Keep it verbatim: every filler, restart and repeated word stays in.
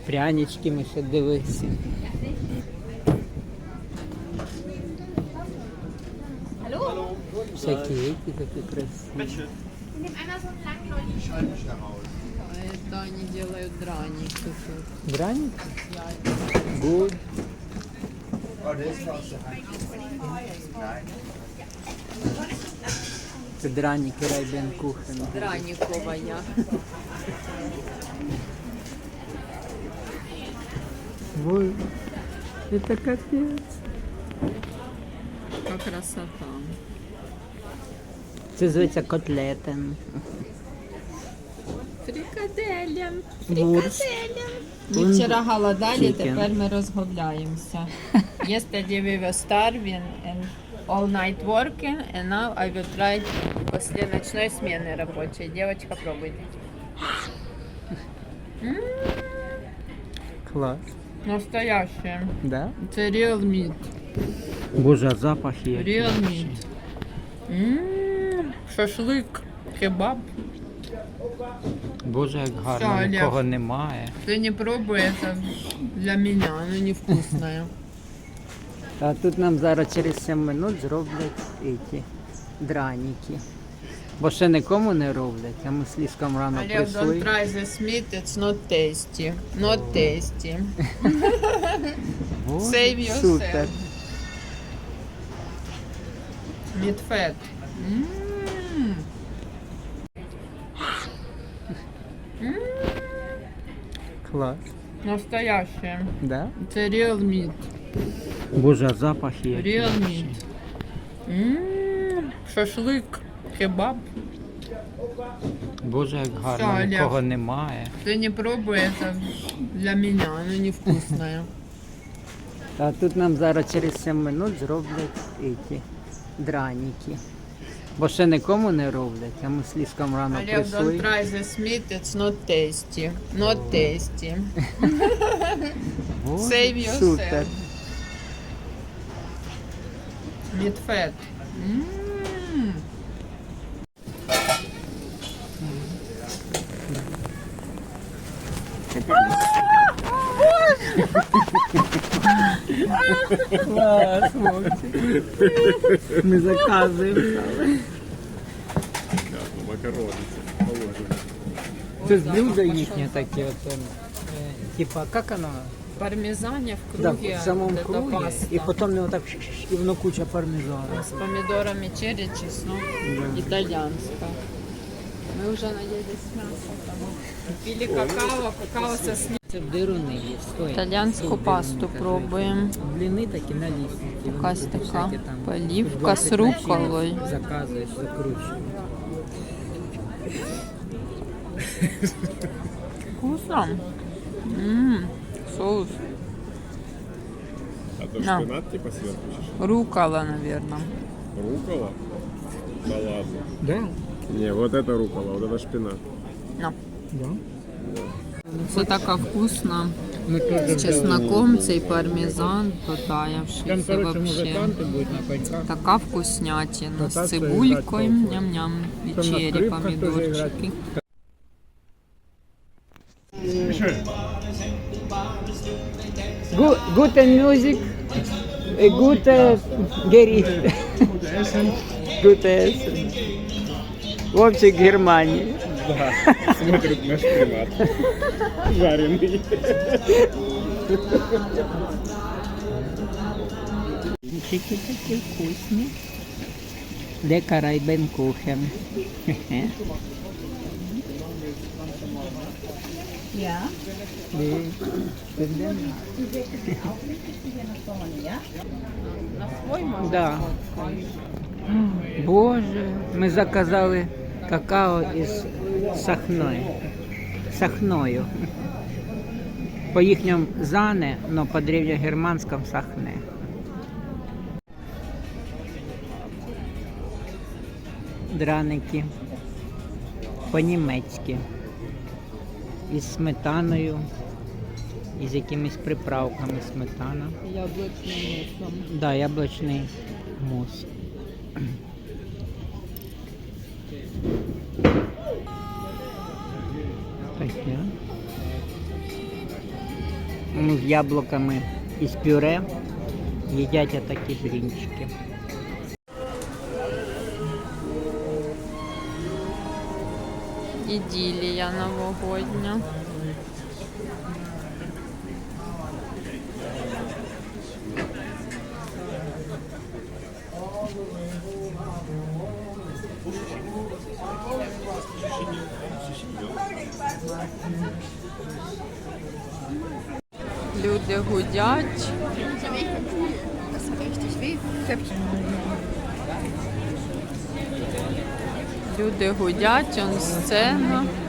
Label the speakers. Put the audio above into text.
Speaker 1: Прянички ми ще дивилися. Всякі які такі красиві.
Speaker 2: Это они делают драники.
Speaker 1: Драник? Good. Це драники Райбен Кухен.
Speaker 2: Драниковая.
Speaker 1: Ой, это капец.
Speaker 2: Как красота.
Speaker 1: Це зветься котлетен.
Speaker 2: Фрикаделям.
Speaker 1: Вурс.
Speaker 2: Ми вчора голодали,
Speaker 1: Chicken.
Speaker 2: тепер ми розгубляємося. Yesterday we were starving and all night working, and now I will try после ночной смены рабочей. Девочка, пробуйте. М,
Speaker 1: Клас.
Speaker 2: Настоящее.
Speaker 1: Да?
Speaker 2: Це real meat.
Speaker 1: Боже, а запах є.
Speaker 2: Real meat. М, Шашлик, кебаб.
Speaker 1: Боже, як гарно,
Speaker 2: Все, Олег.
Speaker 1: нікого немає.
Speaker 2: Ты не пробуй, это для меня, оно невкусное.
Speaker 1: А тут нам зараз через сім минут зроблять ці драніки. Бо ще нікому не роблять, а ми з Ліском рано
Speaker 2: Олег,
Speaker 1: прийшли.
Speaker 2: don't try this meat, it's not tasty. Not tasty.
Speaker 1: Боже,
Speaker 2: Save yourself.
Speaker 1: супер.
Speaker 2: Meat fat. М. М,
Speaker 1: Клас.
Speaker 2: Настоящее.
Speaker 1: Да?
Speaker 2: Это real meat.
Speaker 1: Боже, а запах є.
Speaker 2: Real meat. М, Шашлик, кебаб.
Speaker 1: Боже, як
Speaker 2: Все,
Speaker 1: гарно,
Speaker 2: Олег.
Speaker 1: нікого немає.
Speaker 2: Ты не пробуй, это для меня, оно невкусное.
Speaker 1: А тут нам зараз через сім минут зроблять ці драніки. Бо ще нікому не роблять, а ми з Ліском рано
Speaker 2: Олег,
Speaker 1: прийшли.
Speaker 2: don't try this meat, it's not tasty. Not tasty.
Speaker 1: Боже,
Speaker 2: Save yourself.
Speaker 1: супер.
Speaker 2: Meat fat. М.
Speaker 1: Клас, хлопці. Ми заказуємо.
Speaker 3: Макарони положено.
Speaker 1: Це ж блюдо їхнє таке. От, е, типа, як воно?
Speaker 2: Пармезане в
Speaker 1: Да,
Speaker 2: круге.
Speaker 1: в самому
Speaker 2: вот это
Speaker 1: круге.
Speaker 2: паста.
Speaker 1: І потім не отак, ш-ш-ш, і воно куча пармезану.
Speaker 2: С помидорами черри, чеснок. Итальянская. Мы уже наелись мясом. Пили какао, какао со сливками.
Speaker 1: Це в дируни є, стоїть.
Speaker 2: Итальянскую пасту пробуем.
Speaker 1: Бліни такі налісні.
Speaker 2: Якась така поливка з рукколою.
Speaker 1: Заказуєш, закручуєш.
Speaker 2: Вкусно. Ммм, соус.
Speaker 3: А то
Speaker 2: На.
Speaker 3: шпинат типа сверху чешешь?
Speaker 2: Рукола, наверное.
Speaker 3: Рукола? Да ладно.
Speaker 1: Да?
Speaker 3: Не, вот это рукола, вот это шпинат.
Speaker 2: На.
Speaker 1: Да.
Speaker 2: Це така вкусна.
Speaker 1: Ми теж
Speaker 2: З чесноком, цей пармезан потаявший.
Speaker 1: Там,
Speaker 2: Це
Speaker 1: короче,
Speaker 2: вообще
Speaker 1: музиканти будуть на коньках.
Speaker 2: така вкуснятина.
Speaker 1: Кататься
Speaker 2: З
Speaker 1: і
Speaker 2: цибулькою,
Speaker 1: грати
Speaker 2: ням-ням, і
Speaker 1: Там на
Speaker 2: черри,
Speaker 1: скрипках теж
Speaker 2: помідорчики.
Speaker 1: Good, good music, a good uh, Gericht. Good Essen. Вовчик Германии.
Speaker 3: Да, смотрят на шпинат. Жареный.
Speaker 1: Блинчики такие вкусные. Lecker Reibenkuchen.
Speaker 2: Я? На свой можна?
Speaker 1: Да. Боже, ми заказали какао із сахною. Сахною. По їхньому зане, но по древньогерманському сахне. Драники по-німецьки. Із сметаною, із якимись приправками сметана.
Speaker 2: Яблучним мусом.
Speaker 1: Да, яблучний мус. Таке. м, з яблуками і з пюре. Їдять отакі блінчики.
Speaker 2: Іділія новогодня. Люди гудять. Люди гудять, он сцена.